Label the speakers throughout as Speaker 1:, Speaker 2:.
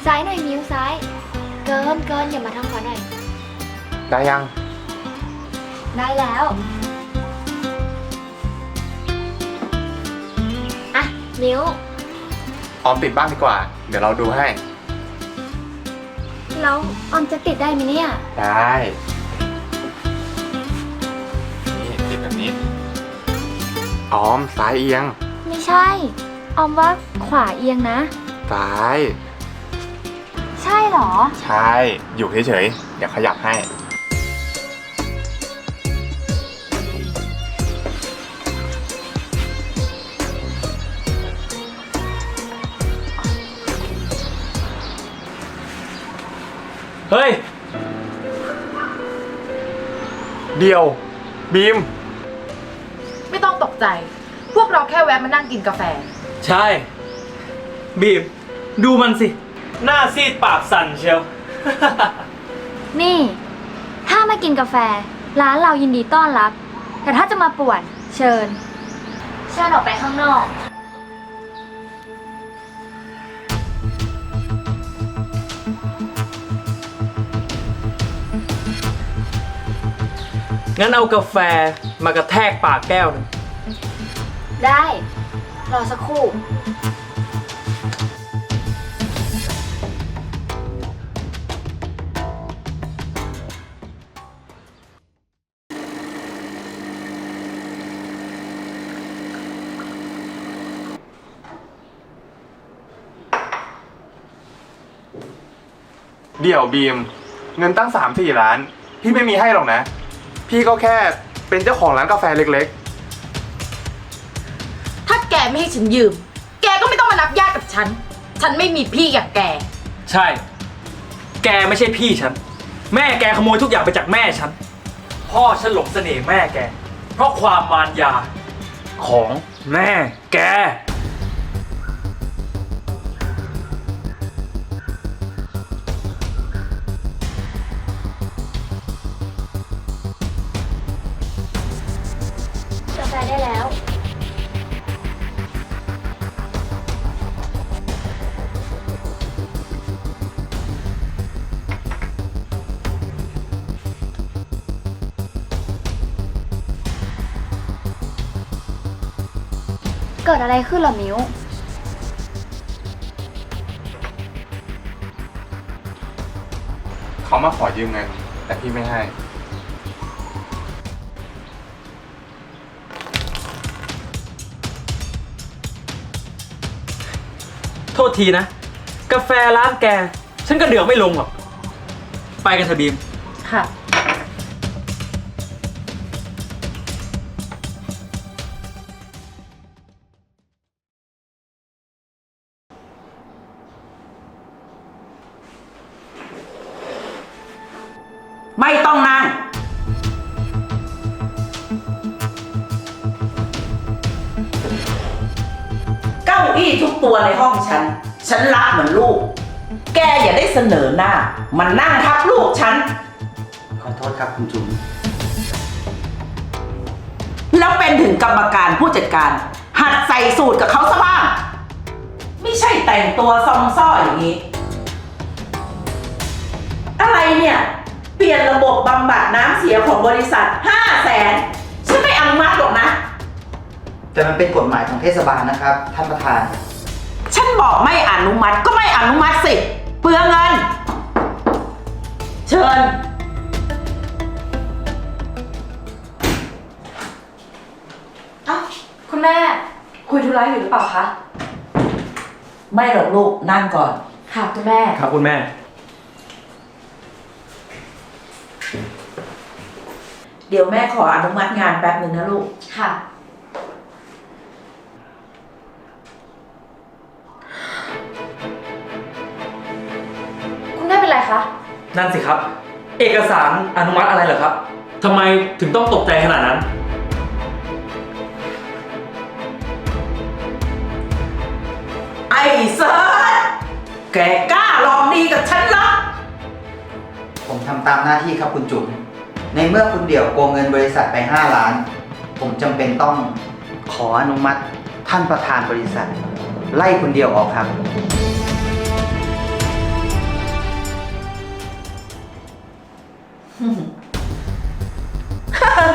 Speaker 1: ซ้ายหน่อยมิ้วซ้ายเกินอย่ามาทางขวาหน่อย
Speaker 2: ได้ยัง
Speaker 1: ได้แล้วอ่ะมิ้ว
Speaker 2: ออมติดบ้างดีกว่าเดี๋ยวเราดูให้
Speaker 1: แล้วออมจะติดได้ไหมเนี่ย
Speaker 2: ได้นี่ติดแบบนี้ออมซ้ายเอียง
Speaker 1: ไม่ใช่ออมว่าขวาเอียงนะ
Speaker 2: ซ้าย
Speaker 1: ใช่เหรอ
Speaker 2: ใช่อยู่เฉยๆเดี๋ยวขยับให้
Speaker 3: เฮ้ย
Speaker 2: เดียวบีม
Speaker 4: ไม่ต้องตกใจ พวกเราแค่แวะมานั่งกินกาแฟ
Speaker 3: ใช่บีมดูมันสิหน้าซีดปากสั่นเชียว
Speaker 1: นี่ถ้ามากินกาแฟร้านเรายินดีต้อนรับแต่ถ้าจะมาป่วนเชิญออกไปข้างนอก
Speaker 3: งั้นเอากาแฟมากระแทกปากแก้วหนึ่ง
Speaker 1: ได้รอสักครู่
Speaker 2: เดี๋ยวบีมเงินตั้ง 3-4 ล้านพี่ไม่มีให้หรอกนะพี่ก็แค่เป็นเจ้าของร้านกาแฟเล็ก
Speaker 4: ถ้าแกไม่ให้ฉันยืม แกก็ไม่ต้องมานับญาติกับฉัน ฉันไม่มีพี่อย่างแก
Speaker 3: ใช่แกไม่ใช่พี่ฉันแม่แกขโมยทุกอย่างไปจากแม่ฉันพ่อฉันหลงเสน่ห์แม่แกเพราะความมารยาของแม่แก
Speaker 1: กาแฟได้แล้วเกิดอะไรขึ้นเหรอมิ้ว
Speaker 2: เขามาขอยืมเงินแต่พี่ไม่ให้
Speaker 3: โทษทีนะกาแฟร้านแกฉันก็เดือดไม่ลงหรอกไปกันเถอะบีม
Speaker 4: ค่ะ
Speaker 5: ไม่ต้องนั่งเก้าอี้ทุกตัวในห้องฉันรักเหมือนลูกแกอย่าได้เสนอหน้ามันนั่งทับลูกฉัน
Speaker 6: ขอโทษครับคุณจุ๋ม
Speaker 5: แล้วเป็นถึงกรรมการผู้จัดการหัดใส่สูตรกับเขาซะบ้างไม่ใช่แต่งตัวซองซ่ออย่างนี้อะไรเนี่ยเปลี่ยนระบบบำบัดน้ำเสียของบริษัท500,000ฉันไม่อนุมัติหรอกนะ
Speaker 6: แต่มันเป็นกฎหมายของเทศบาลนะครับท่านประธาน
Speaker 5: ฉันบอกไม่อนุมัติก็ไม่อนุมัติสิเปลืองเงินเชิญ
Speaker 4: คุณแม่คุยธุระอยู่หรือเปล่าคะ
Speaker 5: ไม่หรอกลูกนั่งก่อน
Speaker 4: ค่ะคุณแม่
Speaker 3: ครับคุณแม่
Speaker 5: เดี๋ยวแม่ขออนุมัติงานแป๊บหนึ่งนะลูก
Speaker 4: ค่ะคุณแม่เป็นไรคะ
Speaker 3: นั่นสิครับเอกสารอนุมัติอะไรเหรอครับทำไมถึงต้องตกใจขนาดนั้น
Speaker 5: ไอ้เซิร์ชแกกล้าลองดีกับฉันเหรอ
Speaker 6: ผมทำตามหน้าที่ครับคุณจุ๋มในเมื่อคุณเดี่ยวโกงเงินบริษัทไป5 ล้านผมจำเป็นต้องขออนุมัติท่านประธานบริษัทไล่คุณเดี่ยวออกครับ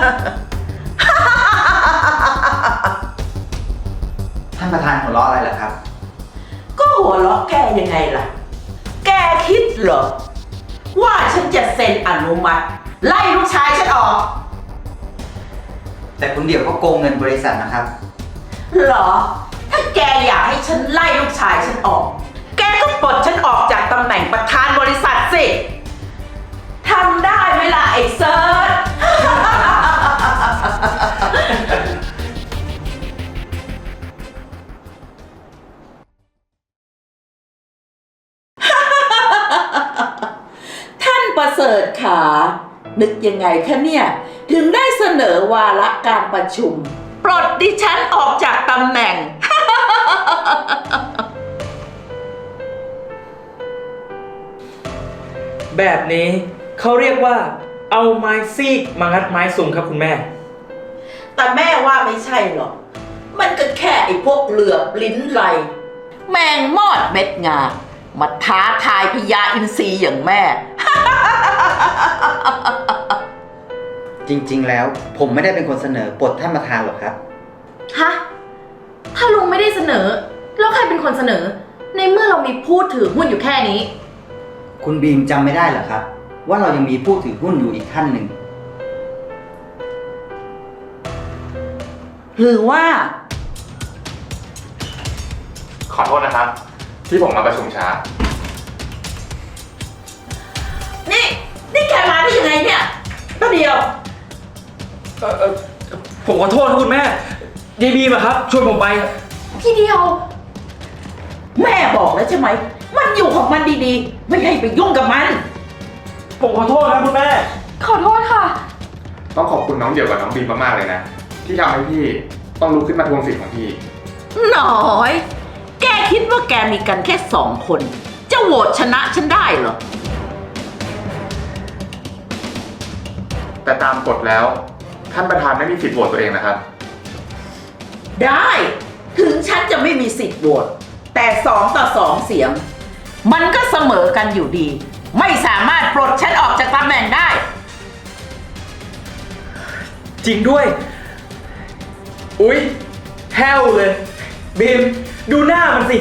Speaker 6: ท่านประธานหัวเราะอะไรเหรอครับ
Speaker 5: ก็หัวเราะแกยังไงล่ะ แกคิดเหรอ ว่าฉันจะเซ็นอนุมัติ ไล่ลูกชายฉันออก
Speaker 6: แต่คุณเดี่ยวก็โกงเงินบริษัทนะครับ
Speaker 5: เหรอ ถ้าแกอยากให้ฉันไล่ลูกชายฉันออก แกก็ปลดฉันออกจากตำแหน่งประธานบริษัทสิทำได้ไหมล่ะไอ้เซิร์ช ท่านประเสริฐขา นึกยังไงคะเนี่ย ถึงได้เสนอวาระการประชุม ปลดดิฉันออกจากตำแหน่ง
Speaker 3: แบบนี้เขาเรียกว่าเอาไม้ซีกมางัดไม้สูงครับคุณแม่
Speaker 5: แต่แม่ว่าไม่ใช่หรอก มันก็แค่ไอ้พวกเหลือบลิ้นไหล แมงมอดเม็ดงา มาท้าทายพญาอินทรีอย่างแม่
Speaker 6: จริงๆ แล้วผมไม่ได้เป็นคนเสนอปลดท่านประธานหรอกครับ
Speaker 4: ฮะ ถ้าลุงไม่ได้เสนอ แล้วใครเป็นคนเสนอ ในเมื่อเรามีผู้ถือหุ้นอยู่แค่นี้
Speaker 6: คุณบีมจำไม่ได้เหรอครับ ว่าเรายังมีผู้ถือหุ้นอยู่อีกท่านหนึ่ง
Speaker 5: หรือว่า
Speaker 2: ขอโทษนะครับ ที่ผมมาประชุมช้า
Speaker 5: นี่แกมาได้ยังไงเนี่ยป้าเดียว
Speaker 3: ผมขอโทษนะคุณแม่ยายบีมอะครับชวนผมไป
Speaker 4: พี่เดียว
Speaker 5: แม่บอกแล้วใช่ไหม มันอยู่ของมันดีๆ ไม่ให้ไปยุ่งกับมัน
Speaker 3: ผมขอโทษครับคุณแม่
Speaker 4: ขอโทษค่ะ
Speaker 2: ต้องขอบคุณน้องเดี่ยวกับน้องบีมมากๆเลยนะ ที่ทำให้พี่ต้องลุกขึ้นมาทวงสิทธิ์ของพี่
Speaker 5: หน่อย แกคิดว่าแกมีกันแค่2 คน จะโหวตชนะฉันได้เหรอ
Speaker 2: แต่ตามกฎแล้ว ท่านประธานไม่มีสิทธิ์โหวตตัวเองนะครับ
Speaker 5: ได้ ถึงฉันจะไม่มีสิทธิ์โหวต แต่2-2 เสียง มันก็เสมอกันอยู่ดี ไม่สามารถปลดฉันออกจากตำแหน่งได้
Speaker 3: จริงด้วย อุ๊ยแห้วเลย บีม ดูหน้ามันสิ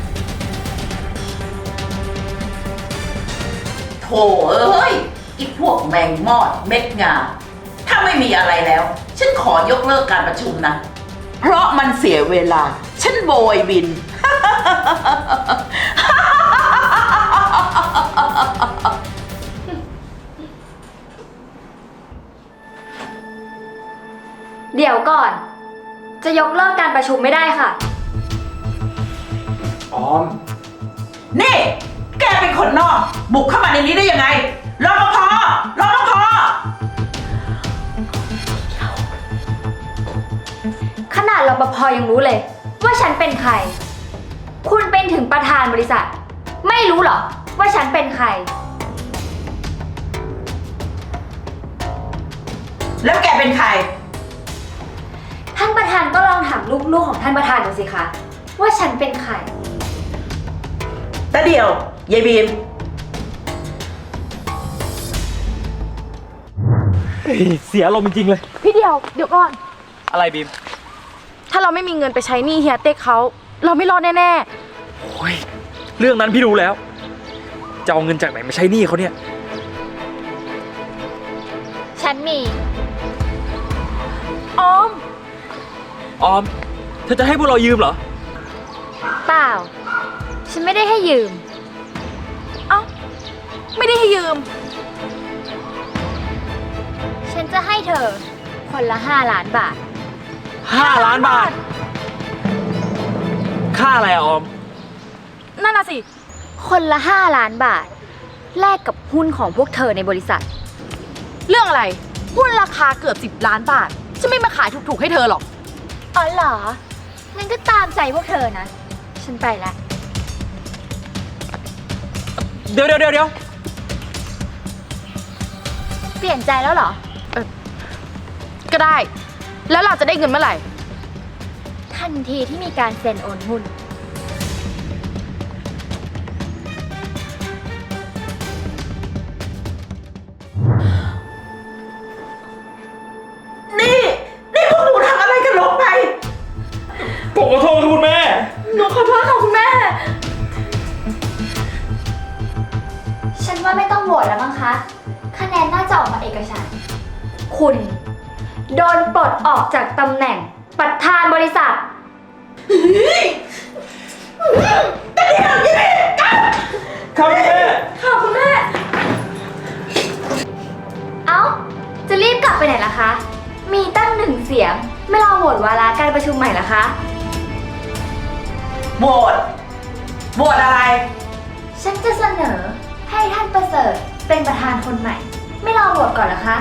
Speaker 5: โถเอ้ยอีพวกแมงมอดเม็ดงา ถ้าไม่มีอะไรแล้ว ฉันขอยกเลิกการประชุมนะ เพราะมันเสียเวลา ฉันโบยบิน
Speaker 1: เดี๋ยวก่อน จะยกเลิกการประชุมไม่ได้ค่ะ
Speaker 2: ออม
Speaker 5: นี่ แกเป็นคนนอก บุกเข้ามาในนี้ได้ยังไงรปภรปภ
Speaker 1: ขนาดรปภยังรู้เลย ว่าฉันเป็นใคร คุณเป็นถึงประธานบริษัท ไม่รู้เหรอว่าฉันเป็นใคร
Speaker 5: แล้วแกเป็นใคร
Speaker 1: ท่านประธานก็ลองถามลูกๆของท่านประธานดูสิคะว่าฉันเป็นใคร
Speaker 5: ตาเดียว ยายบีม
Speaker 3: เสียลมณ์จริงๆเลย
Speaker 4: พี่เดียว เดี๋ยวก่อน
Speaker 3: อะไรบีม
Speaker 4: ถ้าเราไม่มีเงินไปใช้หนี้เฮียเต็กเขา เราไม่รอดแน่
Speaker 3: โอ้ย เรื่องนั้นพี่รู้แล้ว จะเอาเงินจากไหนมาใช้หนี้เขาเนี่ย
Speaker 1: ฉันมี
Speaker 4: ๆออม
Speaker 3: ออม เธอจะให้พวกเรายืมเหรอ
Speaker 1: เปล่า ฉันไม่ได้ให้ยืม
Speaker 4: เอ้า ไม่ได้ให้ยืม
Speaker 1: ฉันจะให้เธอคนละ5 ล้านบาท
Speaker 3: 5 ล้านบาท ค่าอะไรอะออม
Speaker 4: นั่นน่ะสิ
Speaker 1: คนละ5 ล้านบาท แลกกับหุ้นของพวกเธอในบริษัท
Speaker 4: เรื่องอะไร หุ้นราคาเกือบ10 ล้านบาท ฉันไม่มาขายถูกๆให้เธอหรอก
Speaker 1: อ๋อเหรอ งั้นก็ตามใจพวกเธอนะ ฉันไปแล้ว
Speaker 3: เดี๋ยว
Speaker 1: เปลี่ยนใจแล้วเหรอ
Speaker 4: ก็ได้ แล้วเราจะได้เงินเมื่อไหร่
Speaker 1: ทันทีที่มีการเซ็นโอนหุ้นนว่าไม่ต้องโหวตแล้วมั้งคะ คะแนนน่าจะออกมาเอกฉันท์คุณโดนปลดออกจากตำแหน่งประธานบริษัท
Speaker 3: ครับแม่
Speaker 1: ค่ะคุณแม่ เอ้า จะรีบกลับไปไหนล่ะคะ มีตั้งหนึ่งเสียง ไม่รอโหวตวาระการประชุมใหม่ล่ะคะ
Speaker 5: โหวตโหวตอะไร
Speaker 1: ฉันจะเสนอให้ท่านประเสริฐเป็นประธานคนใหม่ ไม่รอโหวตก่อนเหรอคะ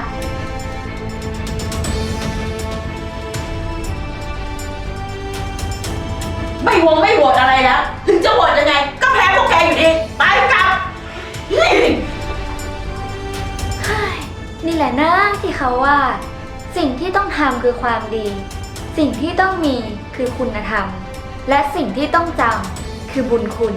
Speaker 5: ไม่โหวตอะไรแล้ว ถึงจะโหวตยังไง ก็แพ้พวกแกอยู่ดี ไปกลับนี่
Speaker 1: นี่แหละนะที่เขาว่า สิ่งที่ต้องทำคือความดี สิ่งที่ต้องมีคือคุณธรรม และสิ่งที่ต้องจำคือบุญคุณ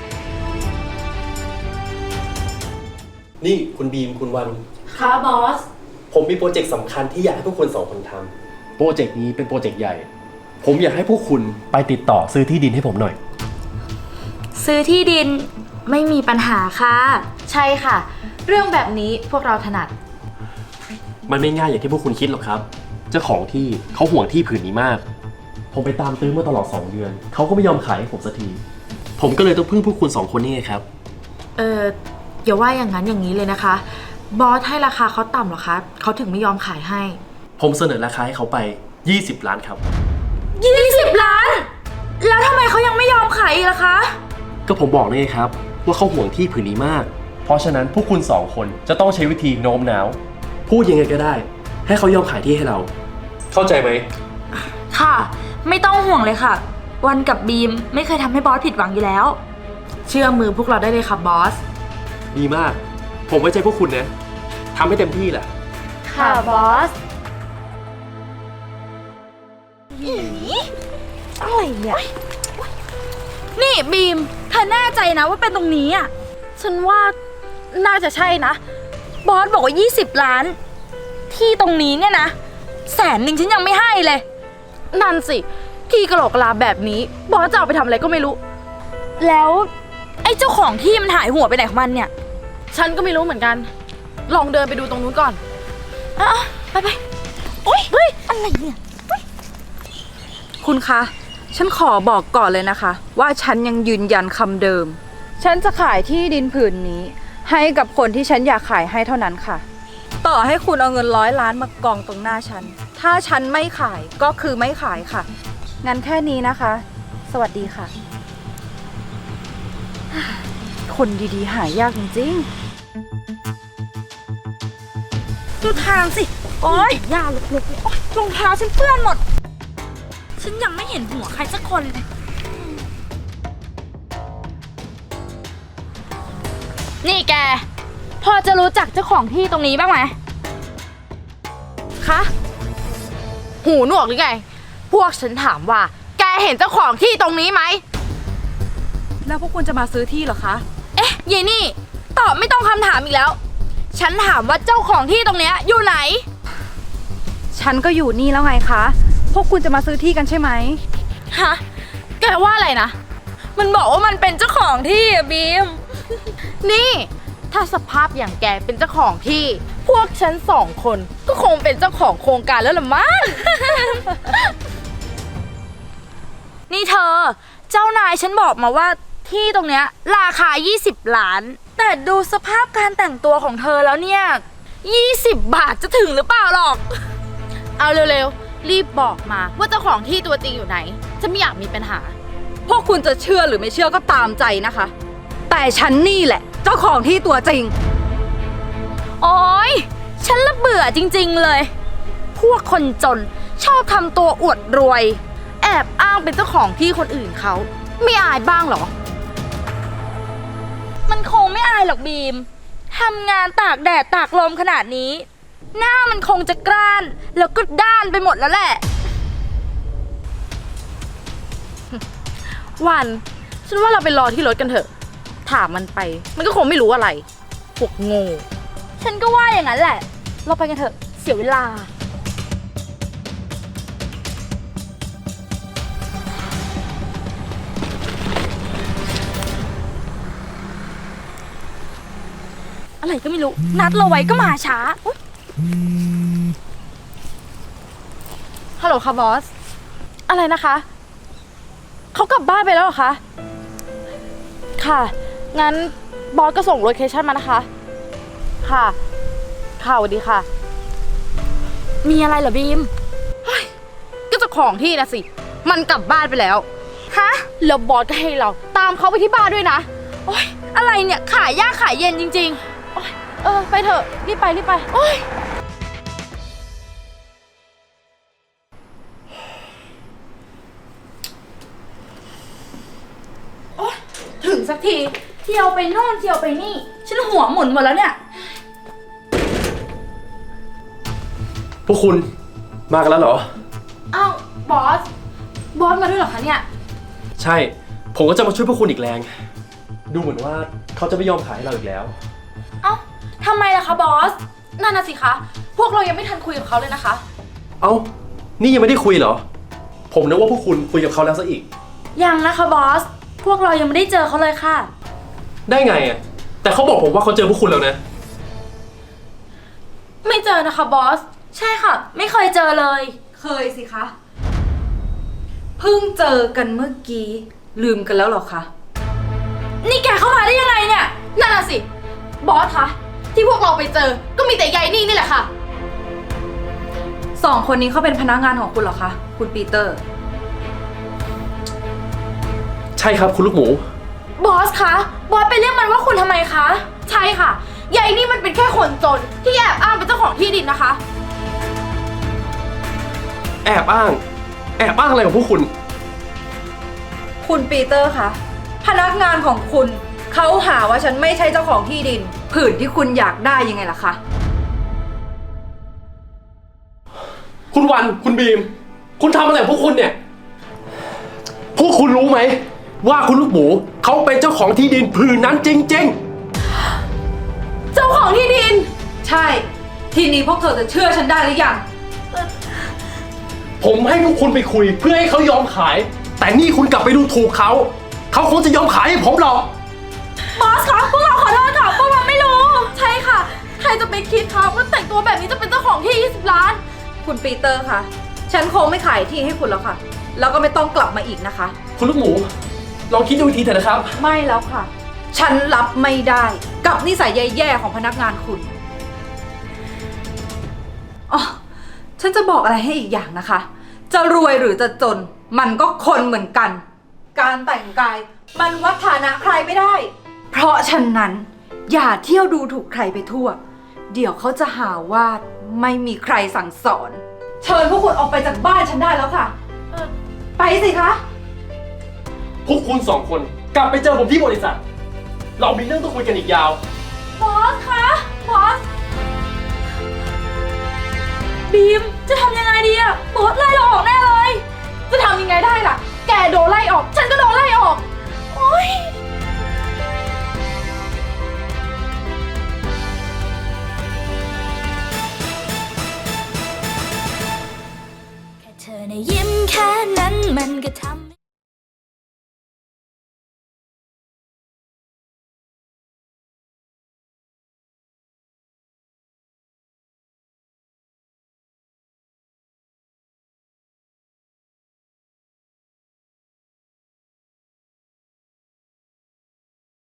Speaker 7: นี่คุณบีมคุณวัน
Speaker 4: ค่ะบอส
Speaker 7: ผมมีโปรเจกต์สำคัญที่อยากให้พวกคุณสองคนทำโปรเจกต์นี้เป็นโปรเจกต์ใหญ่ ผมอยากให้พวกคุณไปติดต่อซื้อที่ดินให้ผมหน่อย
Speaker 8: ซื้อที่ดินไม่มีปัญหาค่ะ
Speaker 4: ใช่ค่ะ เรื่องแบบนี้พวกเราถนัด
Speaker 7: มันไม่ง่ายอย่างที่พวกคุณคิดหรอกครับ เจ้าของที่เขาห่วงที่ผืนนี้มาก ผมไปตามตื้อมาตลอด2 เดือน เขาก็ไม่ยอมขายให้ผมสักที ผมก็เลยต้องพึ่งพวกคุณ2 คนนี่ไงครับ
Speaker 4: อย่าว่าอย่างนั้นอย่างนี้เลยนะคะ บอสให้ราคาเขาต่ำเหรอคะ เขาถึงไม่ยอมขายให้
Speaker 7: ผมเสนอราคาให้เขาไป20 ล้านครับ
Speaker 8: 20 ล้าน แล้วทำไมเขายังไม่ยอมขายอีกล่ะคะ
Speaker 7: ก็ผมบอกเลยครับว่าเขาห่วงที่ผืนนี้มาก เพราะฉะนั้นพวกคุณ2 คนจะต้องใช้วิธีโน้มน้าว พูดยังไงก็ได้ ให้เขายอมขายที่ให้เรา เข้าใจไหม
Speaker 8: ค่ะ ไม่ต้องห่วงเลยค่ะ วันกับบีมไม่เคยทำให้บอสผิดหวังอยู่แล้ว
Speaker 4: เชื่อมือพวกเราได้เลยค่ะบอส
Speaker 7: ดีมาก ผมไว้ใจพวกคุณนะทำให้เต็มที่แหละ
Speaker 1: ค่ะบอส
Speaker 8: อะไรเนี่ย นี่บีมเธอแน่ใจนะว่าเป็นตรงนี้อ่ะ ฉันว่าน่าจะใช่นะ บอสบอกว่า20 ล้าน ที่ตรงนี้เนี่ยนะ100,000ฉันยังไม่ให้เลย
Speaker 4: นั่นสิ ที่กระโหลกกะลาแบบนี้ บอสจะเอาไปทำอะไรก็ไม่รู้
Speaker 8: แล้วไอ้เจ้าของที่มันหายหัวไปไหนของมันเนี่ย
Speaker 4: ฉันก็ไม่รู้เหมือนกัน ลองเดินไปดูตรงนู้นก่อน
Speaker 8: อ่ะไปโอ๊ยเฮ้ยอะไรเนี่ย
Speaker 9: คุณคะ ฉันขอบอกก่อนเลยนะคะ ว่าฉันยังยืนยันคำเดิม ฉันจะขายที่ดินผืนนี้ ให้กับคนที่ฉันอยากขายให้เท่านั้นค่ะ ต่อให้คุณเอาเงิน100 ล้านมากองตรงหน้าฉัน ถ้าฉันไม่ขายก็คือไม่ขายค่ะ งั้นแค่นี้นะคะ สวัสดีค่ะ คนดีๆหายากจริงๆ
Speaker 8: ดูทางสิ โอ๊ยย่าลุกๆโอ๊ยรองเท้าฉันเปื้อนหมด ฉันยังไม่เห็นหัวใครสักคนเลย นี่แก พอจะรู้จักเจ้าของที่ตรงนี้บ้างไหม
Speaker 4: คะ หูหนวกหรือไง พวกฉันถามว่า แกเห็นเจ้าของที่ตรงนี้ไหม
Speaker 9: แล้วพวกคุณจะมาซื้อที่เหรอคะ
Speaker 8: เอ๊ะยายนี่ ตอบไม่ต้องคำถามอีกแล้ว ฉันถามว่าเจ้าของที่ตรงเนี้ยอยู่ไหน
Speaker 9: ฉันก็อยู่นี่แล้วไงคะ พวกคุณจะมาซื้อที่กันใช่ไหม
Speaker 8: ฮะ แกว่าอะไรนะ มันบอกว่ามันเป็นเจ้าของที่อะบีม
Speaker 4: นี่ ถ้าสภาพอย่างแกเป็นเจ้าของที่ พวกฉัน2 คนก็คงเป็นเจ้าของโครงการแล้วล่ะมั้ง
Speaker 8: นี่เธอ เจ้านายฉันบอกมาว่าที่ตรงเนี้ยราคา20 ล้าน แต่ดูสภาพการแต่งตัวของเธอแล้วเนี่ย20 บาทจะถึงหรือเปล่าหรอก
Speaker 4: เอาเร็วๆ รีบบอกมาว่าเจ้าของที่ตัวจริงอยู่ไหน ฉันไม่อยากมีปัญหา
Speaker 9: พวกคุณจะเชื่อหรือไม่เชื่อก็ตามใจนะคะ แต่ฉันนี่แหละ เจ้าของที่ตัวจริง
Speaker 8: โอ๊ย ฉันละเบื่อจริงๆเลย พวกคนจนชอบทำตัวอวดรวย
Speaker 4: แอบอ้างเป็นเจ้าของที่คนอื่นเขา ไม่อายบ้างเหรอ
Speaker 8: มันคงไม่อายหรอกบีม ทำงานตากแดดตากลมขนาดนี้ หน้ามันคงจะกร้าน แล้วก็ด้านไปหมดแล้วแหละ
Speaker 4: วัน ฉันว่าเราไปรอที่รถกันเถอะ ถามมันไป มันก็คงไม่รู้อะไร พวกโง่
Speaker 8: ฉันก็ว่าอย่างนั้นแหละ เราไปกันเถอะ เสียเวลาอะไรก็ไม่รู้ นัดเราไว้ก็มาช้าอุ๊ยฮัลโหลค่ะบอส อะไรนะคะ เขากลับบ้านไปแล้วเหรอคะ ค่ะ งั้นบอสก็ส่งโลเคชั่นมานะคะ ค่ะ ค่ะสวัสดีค่ะ มีอะไรเหรอบีม
Speaker 4: ก็เจ้าของที่นะสิ มันกลับบ้านไปแล้ว
Speaker 8: ฮะ
Speaker 4: แล้วบอสก็ให้เราตามเขาไปที่บ้านด้วยนะ
Speaker 8: โอ๊ย อะไรเนี่ย ขายยากขายเย็นจริงๆโอ๊ยไปเถอะ รีบไปรีบไป โอ๊ย โอ๊ย ถึงสักที เที่ยวไปโน่นเที่ยวไปนี่ ฉันหัวหมุนหมดแล้วเนี่ย
Speaker 7: พวกคุณมากันแล้วเหรอ
Speaker 8: อ้าว บอส บอสมาด้วยเหรอคะเนี่ย
Speaker 7: ใช่ ผมก็จะมาช่วยพวกคุณอีกแรง ดูเหมือนว่าเขาจะไม่ยอมขายให้เราอีกแล้ว
Speaker 8: เอ้าทำไมล่ะคะบอส นั่นน่ะสิคะ พวกเรายังไม่ทันคุยกับเขาเลยนะคะ
Speaker 7: เอ้า นี่ยังไม่ได้คุยเหรอ ผมนึกว่าพวกคุณคุยกับเขาแล้วซะอีก
Speaker 8: ยังนะคะบอส พวกเรายังไม่ได้เจอเขาเลยค่ะ
Speaker 7: ได้ไงอ่ะ แต่เขาบอกผมว่าเขาเจอพวกคุณแล้วนะ
Speaker 8: ไม่เจอนะคะบอส ใช่ค่ะ ไม่เคยเจอเลย
Speaker 9: เคยสิคะ เพิ่งเจอกันเมื่อกี้ ลืมกันแล้วเหรอคะ
Speaker 8: นี่แกเข้ามาได้ยังไงเนี่ย นั่นน่ะสิ บอสคะ ที่พวกเราไปเจอ ก็มีแต่ยายนี่แหละค่ะ
Speaker 9: สองคนนี้เขาเป็นพนักงานของคุณเหรอคะ คุณปีเตอร์
Speaker 7: ใช่ครับคุณลูกหมู
Speaker 8: บอสคะ บอสไปเรียกมันว่าคุณทำไมคะ ใช่ค่ะ ยายนี่มันเป็นแค่คนจนที่แอบอ้างเป็นเจ้าของที่ดินนะคะ
Speaker 7: แอบอ้าง แอบอ้างอะไรของพวกคุณ
Speaker 9: คุณปีเตอร์คะพนักงานของคุณเขาหาว่าฉันไม่ใช่เจ้าของที่ดินผืนที่คุณอยากได้ยังไงล่ะคะ
Speaker 7: คุณวัน คุณบีม คุณทำอะไรของพวกคุณเนี่ย พวกคุณรู้ไหม ว่าคุณลูกหมูเขาเป็นเจ้าของที่ดินผืนนั้นจริง
Speaker 8: เจ้าของที่ดิน
Speaker 9: ใช่ ทีนี้พวกเธอจะเชื่อฉันได้หรือยัง
Speaker 7: ๆ ผมให้พวกคุณไปคุยเพื่อให้เขายอมขาย แต่นี่คุณกลับไปดูถูกเขา เขาคงจะยอมขายให้ผมหรอก
Speaker 8: บอสคะ พวกเราขอโทษค่ะ พวกเราไม่รู้ ใช่ค่ะ ใครจะไปคิดคะว่าแต่งตัวแบบนี้จะเป็นเจ้าของที่ 20 ล้าน
Speaker 9: คุณปีเตอร์คะฉันคงไม่ขายที่ให้คุณแล้วค่ะ แล้วก็ไม่ต้องกลับมาอีกนะคะ
Speaker 7: คุณลูกหมู ลองคิดดูอีกทีเถอะนะครับ
Speaker 9: ไม่แล้วค่ะ ฉันรับไม่ได้กับนิสัยแย่ๆของพนักงานคุณอ๋อฉันจะบอกอะไรให้อีกอย่างนะคะ จะรวยหรือจะจน มันก็คนเหมือนกัน การแต่งกายมันวัดฐานะใครไม่ได้ เพราะฉะนั้น อย่าเที่ยวดูถูกใครไปทั่ว เดี๋ยวเขาจะหาว่าไม่มีใครสั่งสอน เชิญพวกคุณออกไปจากบ้านฉันได้แล้วค่ะ ไปสิคะ
Speaker 7: พวกคุณสองคนกลับไปเจอผมที่บริษัท เรามีเรื่องต้องคุยกันอีกยาว
Speaker 8: บอสคะ บอส บีม จะทำยังไงดีอะบอสไล่เราออกแน่เลย จะทำยังไงได้ล่ะ แกโดนไล่ออก ฉันก็โดนไล่ออก โอ๊ย
Speaker 1: แค่เธอในะยิ้มแค่นั้นมันก็ทำ